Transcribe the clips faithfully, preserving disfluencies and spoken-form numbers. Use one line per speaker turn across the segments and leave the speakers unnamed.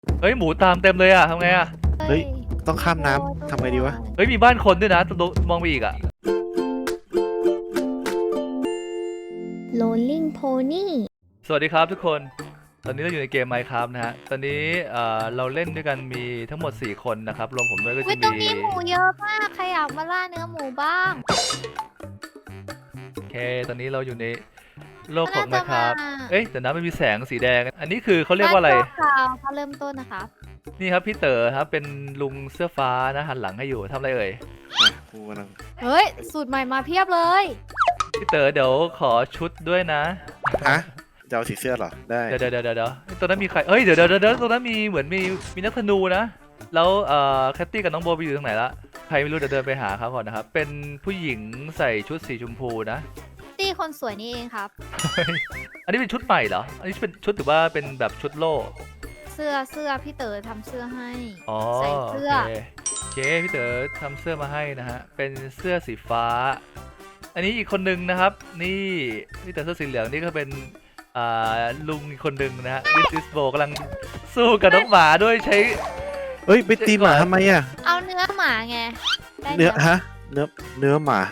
เฮ้ยหมูตามเต็มเลยอ่ะทำไงอ่ะ
เฮ้ยต้องข้ามน้ำทำไงดีวะ
เฮ้ยมีบ้านคนด้วยนะมองไปอีกอ่ะ
Rolling Pony
สวัสดีครับทุกคนตอนนี้เราอยู่ในเกม Minecraft นะฮะตอนนี้เอ่อเราเล่นด้วยกันมีทั้งหมดสี่คนนะครับรวมผมด้วยก็
อุ๊
จะ
ยตรง
มี
นี้หมูเยอะมากใครอยากมาล่าเนื้อหมูบ้าง
โอเคตอนนี้เราอยู่ในโลกของ
น่าจะ
Minecraft
มา
เอ้ยแต่น้ำมันมีแสงสีแดงอันนี้คือเขาเรียกว่าอะไร
บ้นชั่คราวเขาเริ่มต้นนะคะ
นี่ครับพี่เต๋อครับเป็นลุงเสื้อฟ้านะหันหลังให้อยู่ทำอะไรเอ่ย
อ่ะกูกำลัง
เฮ้ยสูตรใหม่มาเพียบเลย
พี่เต๋อเดี๋ยวขอชุดด้วยนะ
ฮะจะเอาสีเสื้อเหรอได้
เดี๋ยวเดี๋ยวเดี๋ยวเดี๋ยวตรงนั้นมีใครเอ้ยเดี๋ยวเดี๋ยวเดี๋ยวตรงนั้นมีเหมือนมีมีนักธนูนะแล้วเอ่อแคตตี้กับน้องโบไปอยู่ตรงไหนละใครไม่รู้เดี๋ยวเดินไปหาเขาก่อนนะครับเป็นผู้หญิงใส่ชุดสีชมพูนะ
ตี้คนสวยนี่เองครับ
อันนี้เป็นชุดใหม่เหรอ อันนี้เป็นชุดถือว่าเป็นแบบชุดโล่
เสื้อเสื้อพี่เต๋อทำเสื้อให้
อ๋อ
ใส่เสื้อ
โอเคโอเคพี่เต๋อทำเสื้อมาให้นะฮะ เป็นเสื้อสีฟ้า อันนี้อีกคนนึงนะครับ นี่พี่เต๋อเสื้อสีเหลืองนี่ก็เป็นอ่าลุงอีกคนนึงนะฮะดิสซิสโบกำลังสู้กับน้องหมาด้วยใช้
เฮ้ยไปตีหมาทำไมอ่ะ
เอาเนื้อหมาไงได้
เนื้อฮะเนื้อเนื้อหมา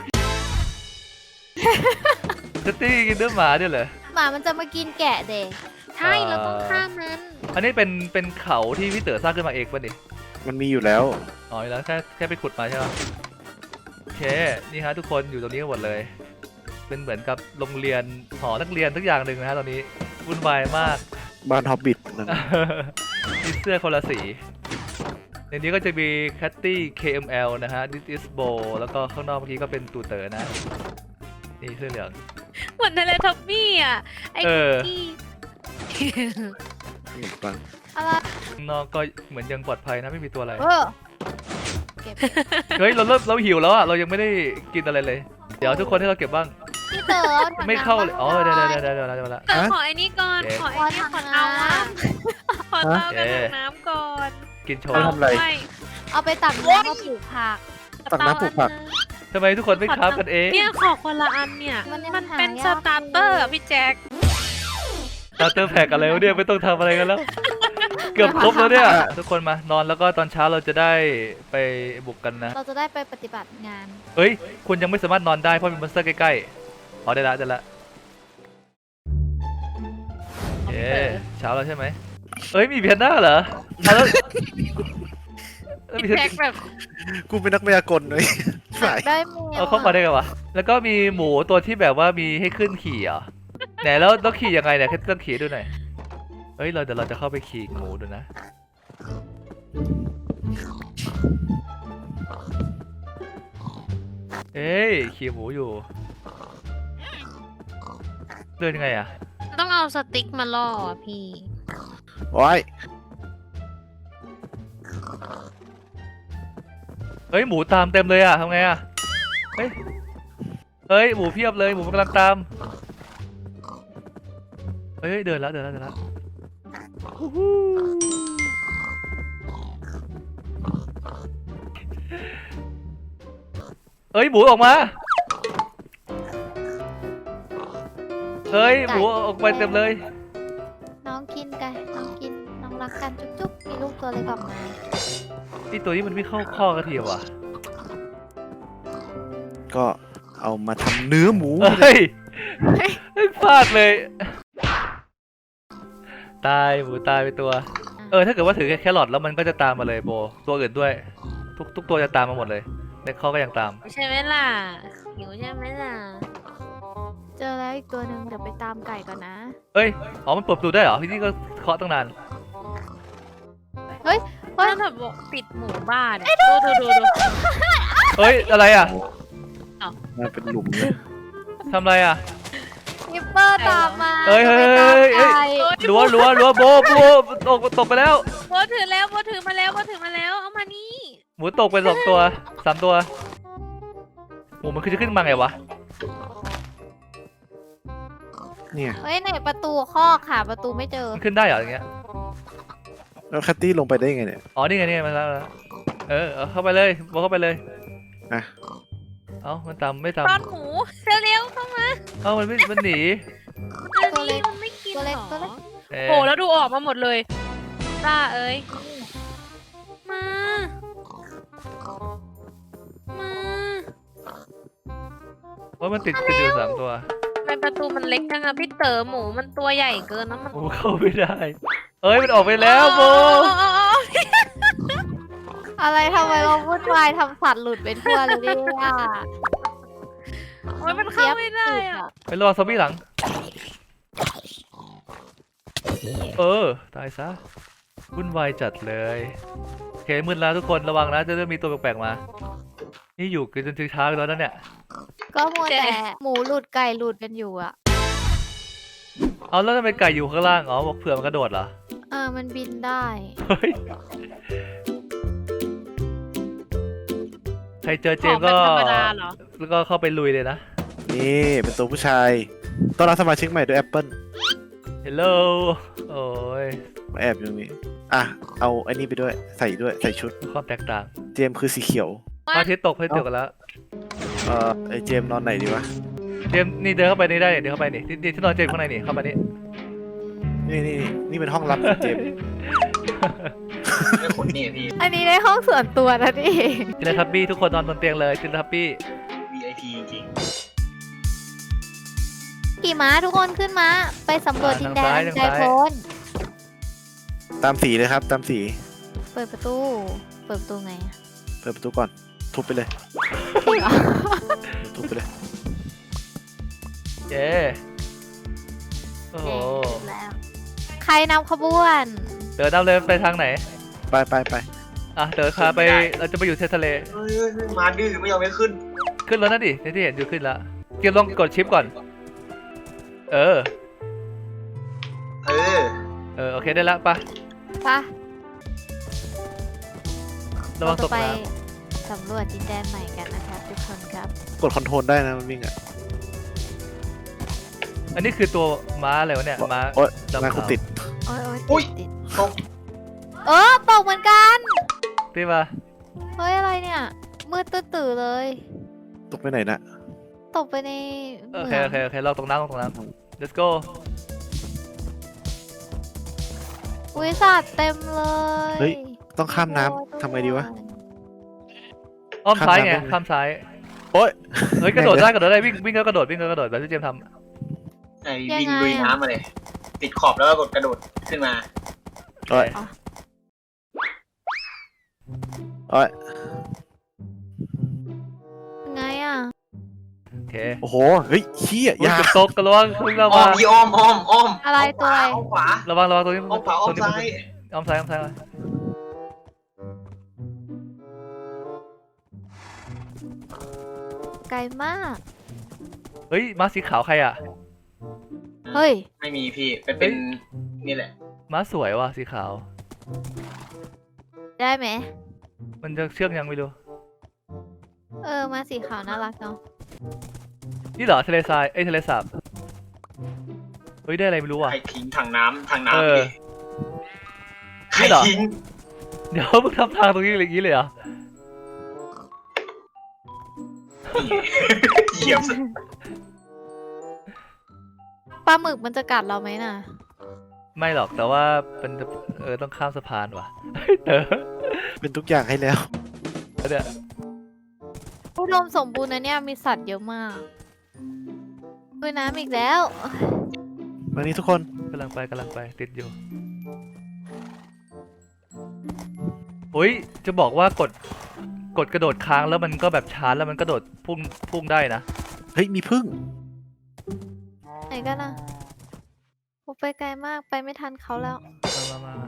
สตี้กินเนื้อหมาด้วยเหรอ
หมามันจะมากินแกะเด็กใช่เราต้องข้ามนั้น
อันนี้เป็นเป็นเขาที่พี่เต๋อสร้างขึ้นมาเองป่ะนี่
มันมีอยู่แล้ว
อ๋อแล้วแค่แค่ไปขุดมาใช่ไหมโอเค นี่ฮะทุกคนอยู่ตรงนี้กันหมดเลย เป็นเหมือนกับโรงเรียนหอนักเรียนทุกอย่างหนึ่งนะฮะตอนนี้วุ่นวายมาก
บ้านฮอบบิทนั่น
มีเสื้อคนละสี ในนี้ก็จะมีแคตตี้ เค เอ็ม แอล นะฮะดิสอิสโบแล้วก็ข้างนอกเมื่อกี้ก็เป็นตูเต๋อนะ นี่เสื้อเหลือง
เหมือนเทเลทับบี้อ่ะ ไอ้
เออ
ที่
ขนมปัง
อะไร
ข้างนอกก็เหมือนยังปลอดภัยนะไม่มีตัวอะไร
เออเก็บ
เฮ้ยเราเริ่มเราหิวแล้วอ่ะเรายังไม่ได้กินอะไรเลย เดี๋ยวทุกคนให้เราเก็บบ้าง
พี่เต๋อถัง
ไม่เข้าเลย
น้ำ
อ๋อ
บ้ง
เดี๋ยว
ห
เดี๋
น่
ยว
อ
เดี๋ยวเดี๋ยวเดี๋ยวเดี๋ยวเดี๋ยว
เออขอไอ้นี่ก่อน
โอเค
ขอไอ้นี่ขอเอาน้ำขอเต้ากับถังน้ำก่อน
กินโช
ไป
ว์
ทำอะไร
ไม่
เอาไปตักน้ำมาปลูกผัก
ตักน้ำปลูกผัก
ทำไมทุกคนไม่คราฟกันเอง
เนี่ยขอคนละอันเนี่ย
มันยัง
มันเป็น
หายาก
สตาร์เตอร์อะพี่แจ็ค
สตาร์เตอร์แพ็กอะไรวะเนี่ยไม่ต้องทำอะไรกันแล้ว เกือบครบแล้วเนี่ย ทุกคนมานอนแล้วก็ตอนเช้าเราจะได้ไปบุกกันนะ
เราจะได้ไปปฏิบัติงาน
เฮ้ย คุณยังไม่สามารถนอนได้เพราะมีมอนสเตอร์ใกล้ๆ อ๋อได้ละได้ละเอ๊เช้าแล้วใช่ไหมเอ้ยมีเพียนหน้าเหรอเอาแล้วแล้วมี
พี่
เพียน
แจ็คแบบ
กูเป็นนักพยากรณ์เลยสาย
ได้แมว
เอาเข้ามาได้ไงวะ แล้วก็มีหมูตัวที่แบบว่ามีให้ขึ้นขี่เหรอ่ะไหนแล้วต้องขี่ยังไงเนี่ยแค่ต้องขี่ด้วยหน่อยเฮ้ยเราเดี๋ยวเราจะเข้าไปขี่หมูดูนะ เอ้ยขี่หมูอยู่ เดินยังไงอ่ะ
ต้องเอาสติ๊กมาล่ออะพี่
โอ้ย
เฮ้ยหมูตามเต็มเลยอ่ะทำไงอ่ะ เฮ้ย เฮ้ยหมูเพียบเลยหมูมันกำลังตาม เฮ้ยเดินแล้วเดินแล้วเดินแล้วฮู้ฮู้เฮ้ยหมูออกมา เฮ้ยหมูออกไปเต็มเลย
น้องกินกันน้องกินน้องรักกันจุ๊บๆมีลูกตัวเล็กออกมา
ไอตัวนี้มันไม่เข้าข้อกระเทียมว่ะ
ก็เอามาทำเนื้อหมู
เฮ้ยเฮ้ยพลาดเลย ตายหมูตายไปตัว เออถ้าเกิดว่าถือแค่แครอทแล้วมันก็จะตามมาเลยโบ ตัวอื่นด้วย ทุกทุกตัวจะตามมาหมดเลยในข้อก็ยังตาม
ใช่ไหมล่ะหิวใช่ไหมล่ะ
เจอแล้วอีกตัวหนึ่งเดี๋ยวไปตามไก่ก่อนนะ
เอ้ย อ๋อ มันเปิดประตูได้เหรอ ที่นี่ก็เคาะตั้งนาน
เฮ้ย
ถ้าแบบบอกปิดหมู่บ้านดูดูดูดู
เฮ้ย อะไรอ่ะ
มาเป็นหลุมเลย
ทำอะไรอ่ะ
นิปเปอร์ตามมา
เฮ้ยเฮ้ย
จะไป
เฮ้
ตาม
ย
ไก่
รั้วรั้วรั้วโบโบตกตกไปแล้ว
โบถือแล้วโบถือมาแล้วโบถือมาแล้วเอามานี่
หมูตกไปสองตัวสามตัว หมูมันคือจะขึ้นมาไงวะ
เนี่ย
เฮ้ยไหนประตูคอกค่ะประตูไม่เจอ
มันขึ้นได้เหรออย่างเงี้ย
แล้วแคตตี้ลงไปได้ยังไงเนี่ย
อ๋อ นี่ไงนี่ไงมาแล้วมาแล้วเออเอาเข้าไปเลยโบเข้าไปเลย
อ่ะ
เอ้า มันตามไม่ตาม
ตอนหมูเร็วๆเข้ามา
เอ้า มันไม่ มันหนี
อันนี้มันไม่กิน
ตัว
หร
เล็ก
อ
ตัวเล็ก
เอ้ย
โหแล้วดูออกมาหมดเลยจ้าเอ้ยมา มา
ว่ามันติดติดอยู่สามตัว
ทำไมประตูมันเล็กจังอะพี่เต๋อหมูมันตัวใหญ่เกินนะมัน
โอ้เข้าไม่ได้ เอ้ยมันออกไปแล้วโบ
อะไรทำไมเราวุ่นวายทำสัตว์หลุดไปทั่วเลยเนี่ย
โอ้ยมันเข้าไม่ได้อะ
ไปรอซอมบี้หลัง เออ ตายซะ วุ่นวายจัดเลย โอเคมืดแล้วทุกคนระวังนะจะเริ่มมีตัวแปลกๆมา นี่อยู่กันจนถึงเช้าแล้วนะเนี่ย
ก็มัวแต่หมูหลุดไก่หลุดกันอยู่อะ
เอาแล้วทำไมไก่อยู่ข้างล่าง อ๋อบอกเผื่อมันกระโดดเหรอ
เออมันบินได้
เฮ้ย ใครเจอเจมส์ก็
ของเป็นธรรมดาเหรอ
แล้วก็เข้าไปลุยเลยนะ
นี่เป็นตัวผู้ชายต้อนรับสมาชิกใหม่ด้วยแอปเปิล
Hello โอ้ย
มาแอบอยู่ตรงนี้อ่ะเอาอันนี้ไปด้วยใส่ด้วยใส่ชุด
ความแตกต่าง
เจมส์คือสีเขียว
พระอาทิตย์ตกพระอาทิตย์ตกกันแล้ว
เอ่อไอเจมส์นอนไหนดีวะ
เจมส์นี่เดินเข้าไปนี่ได้เดินเข้าไปนี่ที่ที่ที่นอนเจมส์ข้างในนี่เข้ามานี่
นี่นี่นี่นี่เป็นห้องลับของเจมส์
ไม่ขนนี่พี่
อันนี้ในห้องส่วนตัวนะนี่
จิลทับบี้ทุกคนนอนบนเตียงเลยจิลทับบี้
วี ไอ พี จริง
ขี่ม้าทุกคนขึ้นมาไปสำรวจดินแดนใจโพน
ตามสีเลยครับ ตามสี
เปิดประตู เปิดประตูไงอะ
เปิดประตูก่อน ทุบไปเลย
จริงเหรอ
ทุบไปเลย
เย้โอ้โห
แล้วใครนำขบวน
เดินนำเลยไปทางไหน
ไปไปไป
อ่ะเดินพาไปเราจะไปอยู่เททะเล
เฮ้ยเฮ้ยเฮ้ยมาดื้อไม่ยอมไม่ขึ้น
ขึ้นแล้วนะดิที่เห็นอยู่ขึ้นแล้วเกมลองกดชิปก่อน เออ
เออ
เออโอเคได้แล้วปะ
ปะ
ระวังตก
ไป
น้
สำรวจดินแดนใหม่กันนะครับทุกคนครับ
กดคอนโทรลได้นะมันวิ่งอ่ะ
ำอันนี้คือตัวม้าอะไรวะเนี่ยม้า
โอ๊ย
ดำ
งาน
ขาว
คุณติด
โอ้ยโอ้ย
อุ๊ย
ติด
ตก
เออตกเหมือนกัน
พี่มา
เฮ้ยอะไรเนี่ย มืดตื้อๆเลย
ตกไปไหนนะ
ตกไปใน
โอ
เห
เค
มือง
โอเคโอเคลองตรงน้ำลองตรงน้ำ let's go
อุ้ยสัตว์เต็มเลย
เฮ้ย ต้องข้ามน้ำทำไงดีวะ
อ้อมซ้ายไง
ข้ามน้ำ
ข้ามซ้าย
โอ๊ย
เฮ้ยกระโดดได้กระโดดได้วิ่งวิ่งก็กระโดดวิ่งก็กระโดดแบบที่เจมส์ท
ไอ้วิ่งลุยน้ำมาเลย ติดขอบแล้วก็กดกระโดดขึ้นมา
ำ
โอ๊ยโอ๊ย
ยังไงอ่ะ
โอเค
โอ้โห เฮ้ยเชี่ย
อุ้ย
ยา
เกือบตกกระวังพึ่งเรา
อ้อ
มาม
พี่อ้อมอ้อมอ้อม
อะไรตัวอะไร
อ้อมขวา
ระวังระวังตรงนี้
อ้อมขวาอ้อม
ตรงนี้
ซ้าย
อ้อมซ้ายอ้อมซ้ายมา
ไกลมาก
เฮ้ยม้าสีขาวใครอ่ะ
เฮ้ย
ไม่มีพี่ เป็นเป็นนี่แหละ
ม้าสวยว่ะสีขาว
ได้ไหม
มันจะเชื่องยังไม่รู้
เออมาสีขาวน่ารักเนาะ
นี่เหรอทะเลทรายเอ้ยทะเลสาบเฮ้ยได้อะไรไม่รู้อ่ะ
ใครทิ้งถังน้ำถัง
เอ
น้ำ
อ
พี่ใคร
นี่เหรอ
ทิ้ง
เดี๋ยวมึงทำทางตรงนี้อย่างนี้เลยเหรอ
เหยียบสุด
ปลาหมึกมันจะกัดเราไหมน่ะ
ไม่หรอกแต่ว่าเป็นเออต้องข้ามสะพานว่ะเฮ้ยเต๋อ
เป็นทุกอย่างให้แล้ว
เนี่ย
อุดมสมบูรณ์นะเนี่ยมีสัตว์เยอะมากดูน้ำอีกแล้ว
วันนี้ทุกคน
กำลังไปกำลังไปติดอยู่โอ้ยจะบอกว่ากดกดกระโดดค้างแล้วมันก็แบบชาร์จแล้วมันกระโดดพุ่งพุ่งได้นะ
เฮ้ย มีพึ่ง
ไหนกันนะโอ้ไปไกลมากไปไม่ทันเขาแล้ว
มามามามา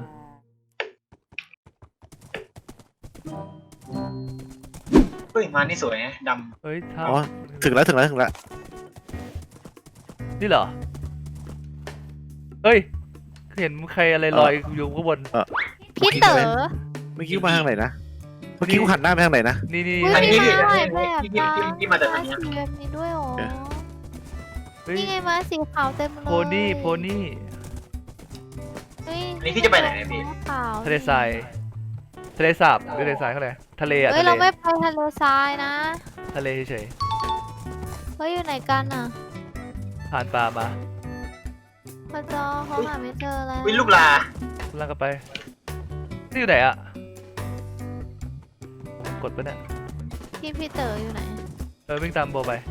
เฮ้ยมานี่สวยนะด
เฮ้ยท่า
อ๋อ ถึงแล้วถึงแล้วถึงแล้ว
นี่เหรอเฮ้ยเห็นใครอะไรลอยอยู่ข้างบน
พี่เต๋อ
เมื่อกี้กูมาทางไหนนะ เมื่อกี้กูหันหน้าไปทางไหนนะ
นี่นี่
อุ้ย
อันนี้
มี
พี่
ม้าหลาย
อัน
แบบ
นี้พี่
นะ
พี่พี่มาจากไหน
ม้า
อะ
สีแบบนี้ด้วยเหรอ
เฮ้ย
นี่ไงม้าสีขาวเต็มเลย
โพนี่โพนี่
เฮ้ย
อันนี้พี่จะไปไหนเนี่ยพี่
ม้าขาว
ทะเลทรายทะเลสาบหรือทะเลทรายเขาเลยทะเลอะ
เฮ้ย
ทะเล
เราไม่ไปทะเลทรายนะ
ทะเลเฉย
เฮ้ยอยู่ไหนกันอ่ะ
ๆผ่านป่ามา
พระเจ้าเขาหาไม่เจอแล้ว
วิลูกลา
กำลังกันไปนี่อยู่ไหนอะกดปะเนี่ย
พี่พี่เต๋ออยู่ไหน
เออวิ่งตามโบไป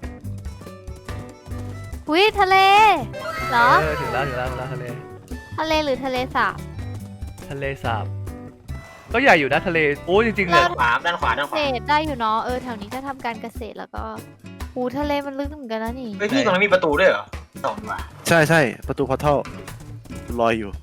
อุ้ยทะเลเหรอ
เออถึงแล้วถึงแล้วถึงแล้วทะเล
ทะเลหรือทะเลสาบ
ทะเลสาบก็ใหญ่อยู่นะทะเลโอ้ยจริงๆเลย
ด้านขวาด้านขวาด้านข
เก
วา
ษตรได้อยู่เนาะเออแถวนี้ก็ทำการเกษตรแล้วก็หูทะเลมันลึกเหมือนกันนะนี่
เฮ้ยพี่ตรงนั้นมีประตูด้วยเหรอสองว่ะ
ใช่ใช่ประตูพอร์ทัลลอยอยู่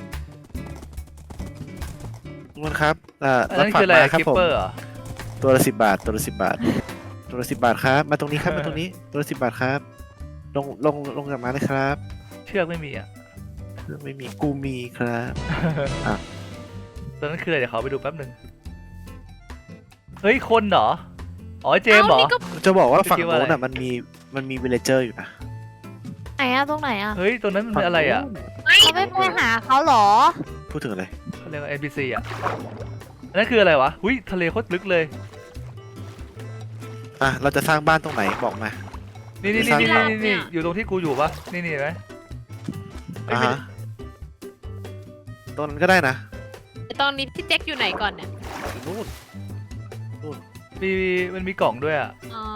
ทุกคนครับอ่า
อัน
รถ
นั้น
ฝา
คื
ก
ออะไร
มาครับ
คิป
ผม
เปอร์เหรอ
ตัวละสิบบาทตัวละสิบบาทตัวละสิบบาทครับ มาตรงนี้ครับมาตรงนี้ตัวละสิบบาทครับ ลงลงลงจากมาเลยครับ
เชือกไม่มีอ่ะ
เครื่องไม่มีกูมีครับ
ตอนนั้นคืออะไรเดี๋ยวขอไปดูแป๊บหนึ่งเฮ้ยคนเหรออ๋อเจมส์เหรอ
นี่ก็
จะบอกว่าฝั่ง
คิดว่า
โน้น
อะไร
อ่ะมันมีมันมีวิลเลเจอร์อยู่นะ
ไหนอะตรงไหนอะ
เฮ้ยตรงนั้นมันเป็นอะไรอ่ะ
เขาไม่ไปหาเขาเหรอ
พูดถึงอะไร
เขาเรียกว่า เอ็น พี ซี อ่ะอันนั้นคืออะไรวะหุ้ยทะเลโคตรลึกเลย
อ่ะเราจะสร้างบ้านตรงไหนบอกมา
นี่นี่
สร้าง
นี่
บ้าน
นี่นี่อยู่ตรงที่กูอยู่ปะนี่นี่เห็นไหม
อ่าฮะตรงนั้นก็ได้นะ
ตอนนี้พี่แจ็คอยู่ไหนก่อนเนี่ย
นู่น
มีมันมีกล่องด้วยอ่ะ
อ๋อ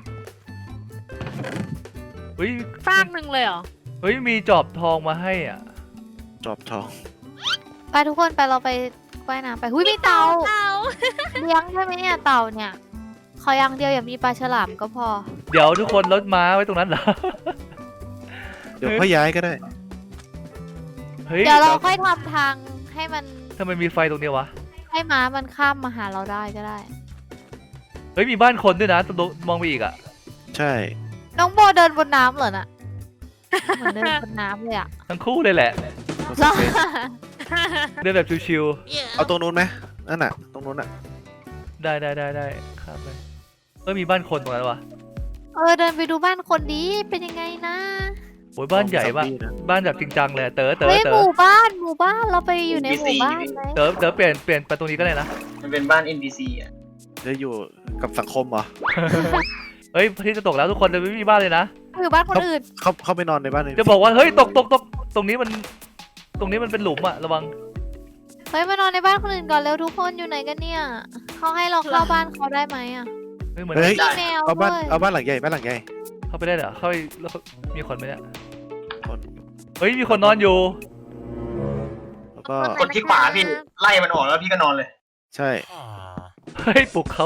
เฮ้ย
ฟากหนึ่งเลยเหรอ
เฮ้ยมีจอบทองมาให้อ่ะ
จอบทอง
ไปทุกคนไปเราไปว่ายน้ำไปหุ้ยมีเต่า
เต่า
เลี้ยงใช่ไหมเนี่ยเต่าเนี่ยขออย่างเดียวอย่ามีปลาฉลามก็พอ
เดี๋ยวทุกคนรถม้าไว้ตรงนั้นเหรอ
เดี๋ยวค่อยย้ายก็ได้
เฮ้ย
เดี๋ยวเราค่อยทำทางให้มัน
ทำไมมีไฟตรงเนี้ยวะ
ให้ม้ามันข้ามมาหาเราได้ก็ได้
เฮ้ยมีบ้านคนด้วยนะตรงมองไปอีกอ่ะ
ใช่
น้องโบเดินบนน้ำเหรอน่ะเหมือนเดินบนน้ำเลยอะ
ทั้งคู่เลยแหละ
เหรอ
เดินแบบชิว
เอาตรงนู้นไหมนั่นน่ะ ตรงนู้นอ่ะ
ๆได้ได้ได้ได้ข้ามไปเฮ้ยมีบ้านคนตรงนั้นวะ
เออเดินไปดูบ้านคนดีเป็นยังไงนะ
โอ้ยบ้านใหญ่ปะ
ซอมบี้นะ
บ้านแบบจริงจังเลยเต๋อเต๋อ
เฮ้ย
เต๋
ห
อ
มู่บ้านหมู่บ้านเราไปอยู่ในหมู่บ้านไหม
เต๋อเต๋อเปลี่ยนเปลี่ยนไปตรงนี้ก็ได้นะ
มันเป็นบ้าน เอ็น พี ซี อ่ะ
จะอยู่กับสังคมเหรอ
เฮ้ยพระอาที่จะตกแล้วทุกคนจะไม่มีบ้านเลยนะ
อยู่บ้านคนอื่น
เขาเขาไปนอนในบ้านเลย
จะบอกว่าเฮ้ยตกตกตกตรงนี้มันตรงนี้มันเป็นหลุมอะระวัง
เฮ้ยมานอนในบ้านคนอื่นก่อนเร็วทุกคนอยู่ไหนกันเนี่ยเขาให้เราเข้าบ้านเขาได้ไหมอะ
เฮ้ยเหมือน
เฮ้ย
มีแมว
เอาบ้าน
ด้วย
เอาบ้านหลังใหญ่บ้านหลังใหญ่
เข้าไปได้เหรอเข้าไปแล้วเขามีคนไหมเนี่ย
คน
เฮ้ยมีคนนอนอยู่
แล้วก็
กดที่ขวาพี่ไล่มันออกแล้วพี่ก็นอนเลย
ใช่
เฮ้ยปลุกเขา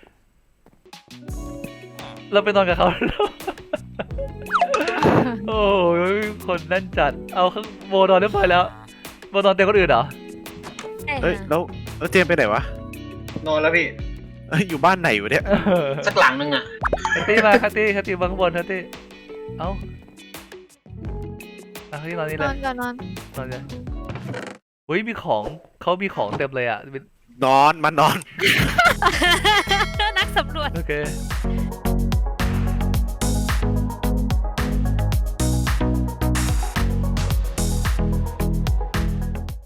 เราไปนอนกับเขาแล้ว โอ้ยคนนั่นจัดเอาข้างโบนอนเรียบร้อยแล้วโบนอนเต็มคนอื่นเหรอ
เฮ้ยแล้วแล้วเจมส์ไปไหนวะ
นอนแล้วพี่
เอ้ยอยู่บ้านไหนวะเนี่ย
สักหลังนึงอ่ะ
คัตตี้มาคัตตี้คัตตี้มาข้างบนคัตตี้เอ้าอ่ะคัตตี้นอนนี่
น
เล
อย นก่อนนอน
นอนเลยเฮ้ยมีของเขามีของเต็มเลยอ่ะเป็น
นอนมันนอน
นักสำรวจ
โอเค